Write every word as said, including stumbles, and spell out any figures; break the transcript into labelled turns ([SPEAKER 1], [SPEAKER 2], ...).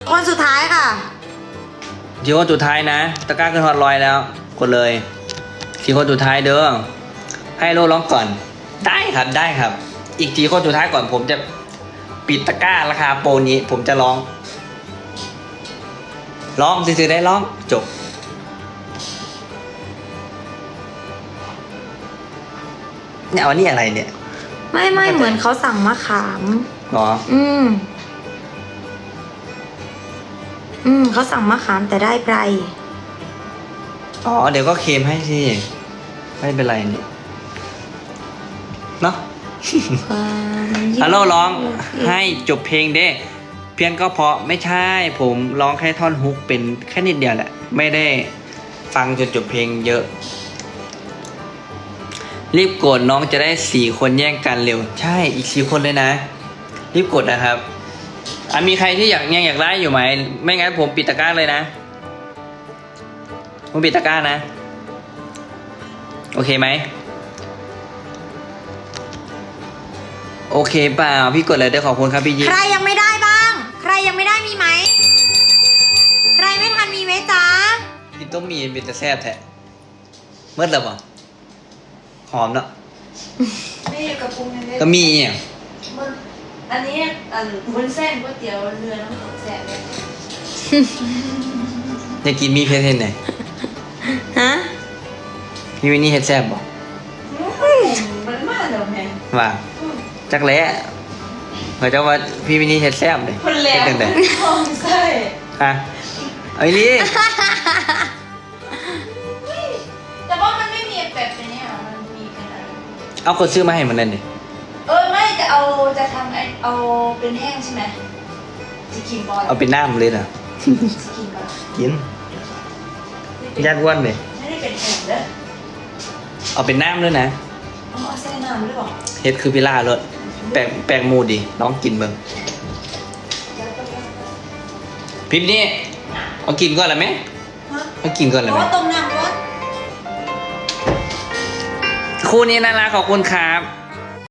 [SPEAKER 1] คนสุดท้ายค่ะ
[SPEAKER 2] สี่คนสุดท้ายนะตะกร้าขึ้นฮอตลอยแล้วกดเลยสี่คนสุดท้ายเด้อให้โลร้องก่อนได้ครับได้ครับ อีกสี่คนสุดท้ายก่อนผมจะปิดตะกร้าราคาโปรนี้ผมจะร้องร้องซื้อๆได้ร้องจบเนี่ยวันนี้อะไรเนี่ย
[SPEAKER 1] ไม่ไม่เหมือนเขาสั่งมะขาม
[SPEAKER 2] หรอ
[SPEAKER 1] อืมอืมเขาสั่งมะขามแต่ได้ไพร
[SPEAKER 2] อ๋อเดี๋ยวก็เค็มให้สิไม่เป็นไรนี่เนาะฮัลโหลร้องให้จบเพลงเด้เพียงก็เพราะไม่ใช่ผมร้องแค่ท่อนฮุกเป็นแค่นิดเดียวแหละไม่ได้ฟังจนจบเพลงเยอะรีบกดน้องจะได้สี่คนแย่งกันเร็วใช่อีกสี่คนเลยนะรีบกดนะครับอ่ะมีใครที่อยากยังอยากได้อยู่ไหมไม่งั้นผมปิดตะกร้าเลยนะผมปิดตะกร้านะโอเคไหมโอเคเปล่าพี่กดเลยเดี๋ยวขอบคุณครับพี่ยิ้ม
[SPEAKER 1] ใครยังไม่ได้บ้างใครยังไม่ได้มีไหมใครไม่ทันมีไหมจ๊ะ
[SPEAKER 2] พี่ต้องมีเป็นแต่แซ่บแท้เมื่อไหร่บ่หอมเนาะ
[SPEAKER 3] ไม่อยู่กับปรุงเลย
[SPEAKER 2] ก็มีอ่ะ
[SPEAKER 3] อันนี้อันวุ้นเส้นก๋วยเตี๋ยวเรือน้ำตกแสบเลย
[SPEAKER 2] อยากกินมีเพชรเห็นไหน
[SPEAKER 1] ฮะ
[SPEAKER 2] พี่วินนี่เฮ็ดแซ่บบ่
[SPEAKER 3] มันมากเดี๋ยวแม่
[SPEAKER 2] ว่าจักแล้เขาจะว่าพี่วินนี่เฮ็ดแซ่บเลย
[SPEAKER 3] คนแหลมทองใส่
[SPEAKER 2] ฮะเอาอีลี่
[SPEAKER 3] แต่ว่ามันไม่มีแบบนี้อ่ะมันมีกันอะไร
[SPEAKER 2] เอาคนซื้อมาให้มันนั่นดิ
[SPEAKER 3] เออไม่จะเอาจะทำไอเอาเป็นแห้งใช่ไหมจะกินบอล
[SPEAKER 2] เอาเป็นน้ำเลยนะ
[SPEAKER 3] จะกินบอล
[SPEAKER 2] กินยัดอ้วนเลย
[SPEAKER 3] ไม่ได้เป็นแห้งเด้อ
[SPEAKER 2] เอาเป็นน้ำด้วยนะ
[SPEAKER 3] เอาเอาแช่น้ำด้วยหรอ
[SPEAKER 2] เฮ็ดคือพิล่าเลยแปลงแปลงมูดีน้องกินเบิ่งพิมพ์นี่เอากินก่อนละไหมเอากินก่อนละไหม
[SPEAKER 3] ต้มน้ำร้อน
[SPEAKER 2] คู่นี้น่ารักขอบคุณครับ